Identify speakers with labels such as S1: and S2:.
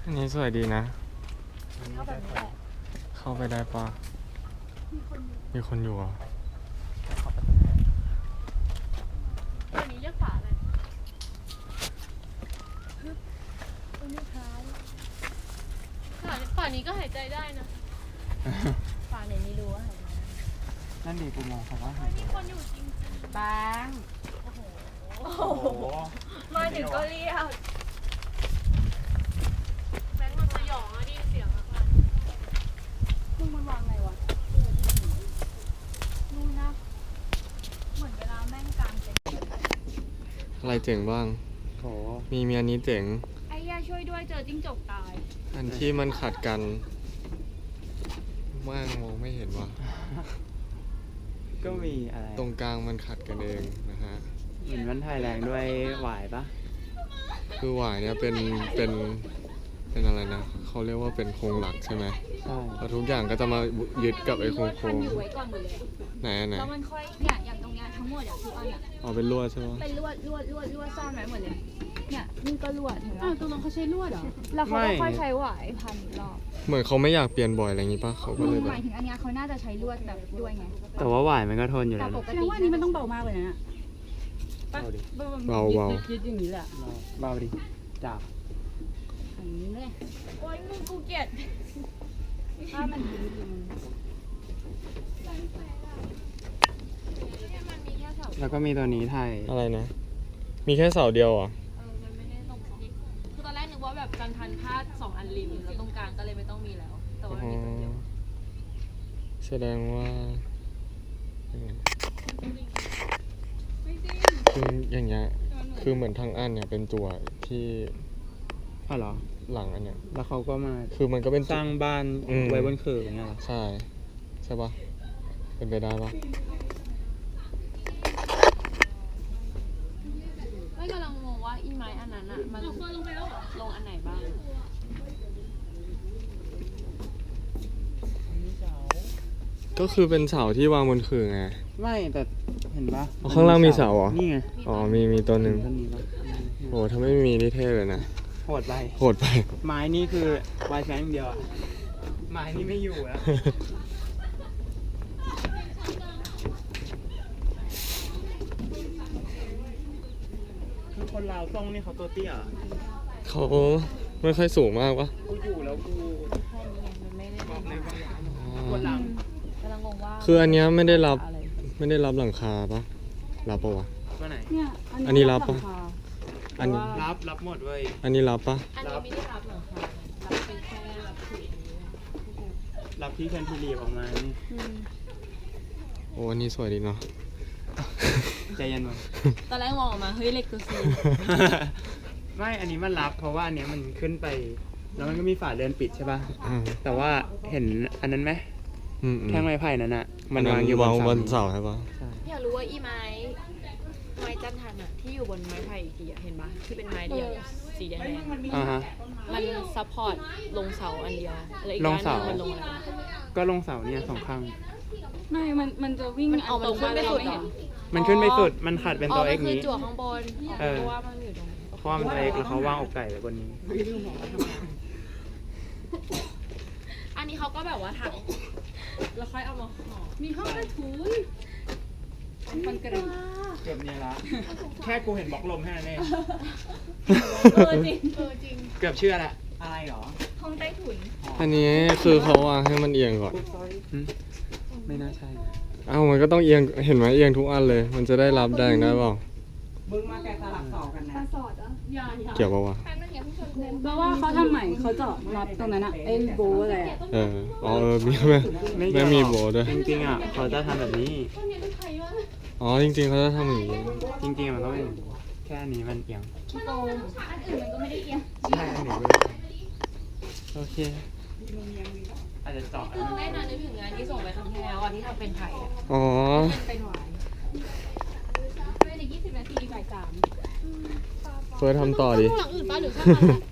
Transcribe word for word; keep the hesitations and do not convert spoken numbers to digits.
S1: อันนี้สวยดีนะ
S2: เข้าแบบนี้แหละ
S1: เข้าไปได้ปะมีคนอยู่อ่ะ
S2: ตัวนี้เรียกฝาอะไรตัวนี้ท้ายฝาฝานี้ก็หายใจได้นะฝาเนี่ยไม่รู้ว่าหายใจได้
S3: นั่นดีกูมองเขาว่า
S2: มีคนอยู่จริงๆ
S4: บาง
S2: โอ้โหมาถึงก็เรียกแบงค์มันสยองอะได้ยินเสียงอะมึงมันวางไงวะนู่นนะเหมือนเวลาแม่งกลางเป็น
S1: อะไรเจ๋งบ้าง
S3: โห
S1: มีมีอันนี้เจ๋ง
S2: ไอ้ย่าช่วยด้วยเจอจิ้งจกตาย
S1: อันที่มันขัดกันว่างมองไม่เห็นว่ะ
S3: ก็มีอะไร
S1: ตรงกลางมันขัดกันเองนะฮะ
S3: เหมือนมันถ่ายแรงด้วยหวายปะ
S1: คือหวายเนี่ยเป็นเป็นเป็นอะไรนะเขาเรียกว่าเป็นโครงหลักใช่ไหม
S3: ใช่
S1: แล้วทุกอย่างก็จะมายึดกับไอ้โครงโครง
S2: อยู่ไว้ก่อนหมดเลยอะ
S1: ไหนอันไหน
S2: แล้วมันค่อยเนี่ยอย่างตรงเนี้ยทั้งหมดอะทุกอันอะ
S1: อ๋อเป็นลวดใช่ไหม
S2: เป็นลวดลวดลวดลวดซ่อนไว้หมดเลย เนี่ยนี่ก็ลวดเห็นไหม
S4: อ้าวตรงนั้นเขาใช้ลวดเหรอ
S2: แล้วเขาก็ค่อยใช้หวายพันอีกรอบ
S1: เหมือนเขาไม่อยากเปลี่ยนบ่อยอะไรอย่างงี้ป่ะเขาก็เลยแบ
S2: ห
S1: บ
S2: มายถึงอันเนี้ยเขาน่าจะใช้ลวดแบบด้วยไง
S3: แต่ว่าหวายมันก็ทนอยู่
S2: แต่
S3: แล้ว
S2: ป
S3: นะ
S2: ก
S4: แสด
S2: ติ
S4: งว่าอันนี้มันต้องเบามากเลยนะ
S3: เบาดิ
S1: เบาเบา
S4: ยึดๆอย่างนี้แหละ
S3: เบาดิจับ
S4: อย่างนี้เลย
S2: โอ๊ยมึงกูเกลียด
S4: ถ้ามันยืดมัน
S2: เนี่ยมันมีแค่เสา
S3: แล้วก็มีตัวนี้ถ่าย
S1: อะไรนะ มีแค่เสาเดียวเหรอ่ะ
S2: เออมันไม่ได้ลงสองคือตอนแรกนึกว่าแบบการพันผ้าสองอันริมแล้วตรงกลางก็เลยไม่ต้องมีแล้ว แต่ว่ามีตัวเดียว
S1: แสดงว่ายังไงคืออย่างเงี้ยคือเหมือนทางอันเนี่ยเป็นตัวที่
S3: อ๋อเหรอ
S1: หลังอันเนี้ย
S3: แล้วเขาก็มา
S1: คือมันก็เป็น
S3: สร้างบ้าน
S1: อืม
S3: ไว้บนเขื่อนอย่างเงี้ยเหรอ
S1: ใช่ใช่ปะเป็นไปได้ปะ
S2: ไม่กำลังงงว่าอีไม้อันนั้นอะมันลงไปแล้วเหรอลงอันไหนบ้าง
S1: ก็คือเป็นเสาที่วางบนขื่อไง
S3: ไม่แต่เห็นปะ
S1: อ๋อข้างล่างมีเสาเหรอ
S3: นี่ไง
S1: อ๋อมีมีตัวหนึ่ง
S3: ต้นนี้ปะ
S1: โอ้ถ้าไม่มีนี่เท่เลยนะ
S3: โหดไป
S1: โหดไป
S3: ไม้นี่คือวายแฟนอย่างเดียวอะไม้นี่ไม่อยู่แล้วคือคนลาวต้องนี่เขาตัวเตี้ยอะ
S1: เขาไม่ค่อยสูงมากปะ
S3: กูอยู่แล้วกู
S2: แค่นี้ไงมันไม่ได้
S3: บอกเลยว่า
S1: อ๋
S3: ปว
S1: อ
S3: ดหลัง
S2: กำลังงงว่า
S1: คืออันเนี้ยไม่ได้รับ
S2: อะไร
S1: ไม่ได้รับหลังคาปะรับปะวะ
S3: ว่าไหน
S4: เนี่ย
S1: อันนี้รับปะ
S4: หลังคา
S1: อันนี้
S3: รับรับหมดเว้ย
S1: อันนี้รับปะ
S2: อันนี้ไม่ได้รับหลังคารับเป็นแค่แบบถืออย่างนี้
S3: รับที่แคนทิลีฟออกมานี่
S2: อืม
S1: โอ้อันนี้สวยดีเนาะ
S3: ใจเย็นมั้ง
S2: ตอนแรกมองออกมาเฮ้ยเล็กตัวซี
S3: ไม่ อันนี้มันรับเพราะว่าอันเนี้ยมันขึ้นไป แล้วมันก็มีฝาเรือนปิดใช่ป่ะ
S1: อ่า
S3: แต่ว่าเห็นอันนั้นไหม
S1: อืมอืม
S3: แท่งไม้ไผ่นั่นน่ะ มัน
S1: อั
S3: วางอยู่
S1: วางบบ น
S3: น
S1: เสา
S3: เสา
S1: ใช่ปะ
S3: ใช่
S2: อยากรู้ว่าอีไม้ไม้จันทันอะที่อยู่บนไม้ไผ่อีกทีอะเห็นปะที่เป็นไม้เดียวสีแดง
S3: อ่าฮะ
S2: ๆมันซัพพอร์ตลงเสาอันเดียวแล้วอีก
S3: ลง
S2: ด้านห
S3: เสา
S2: นึงมันลงอะไรวะ
S3: ก็ลงเสาเนี่ยสองข้าง
S4: ไม่ มัน มันจะวิ่ง
S2: มันเอามันขึ้นไปสุดเหรอ
S3: มันขึ้นไปสุด มันขัดเป็นตัว
S2: มั
S3: เอ็ก
S2: คือ
S3: นี้
S2: จั่วข้างบน
S3: เออ
S2: เพราะว่ามันอยู่ตรงนี้
S3: เพราะว่ามันตัวเอ็กแล้วเขาวางอกไก่ไว้บนนี้
S2: อันนี้เขาก็แบบว่าถักแล้วค่อยเอามาห่อ
S4: มีห้องใต้ถุนคอนกรีต
S3: เกือบเนี่ยละ แค่กูเห็นบล็อกลมแค่นั้นเอง
S2: เออจริงเออจริง
S3: เกือบเชื่อละอะไรหรอ
S2: ห้องใต้ถุน
S1: อันนี้คือเขาวางให้มันเอียงก่อน
S3: หึไม่น่าใช่
S1: เอ้ามันก็ต้องเอียง เห็นไหมเอียงทุกอันเลย มันจะได้รับแรงได้เปล่า เกี่ยวปะวะ
S4: แปลว่าเขาทำใหม่เขาเจาะรับตรงนั้นอะไอ้โบว์อะไรอะ
S1: เออ อ๋อเออ มีไหม
S3: ไม่
S1: ไม่มีโบว์ด้วย
S3: จริงๆอ่ะเขาจะทำแบบนี้
S1: อ๋อ จริงๆเขาจะทำอย่างนี้
S3: จริงๆมันต้องเป็นแค่อันนี้มันเอียง
S4: โกง
S3: ใช่อันนี้เว้ยโอเค อาจจะเจาะอันนั้น
S2: ได้นะนึกถึงงานที่ส่งไปครั้งที่แล้วอ่ะที่ทำเป็นไผ่อะ
S1: อ๋อ
S2: เป็นหวาย
S4: เป็นอีกยี่สิบนาทีบ่ายสาม
S1: เฟิร์สทำต่อดิ
S2: หลังอื่นป้าหรือข้างหลัง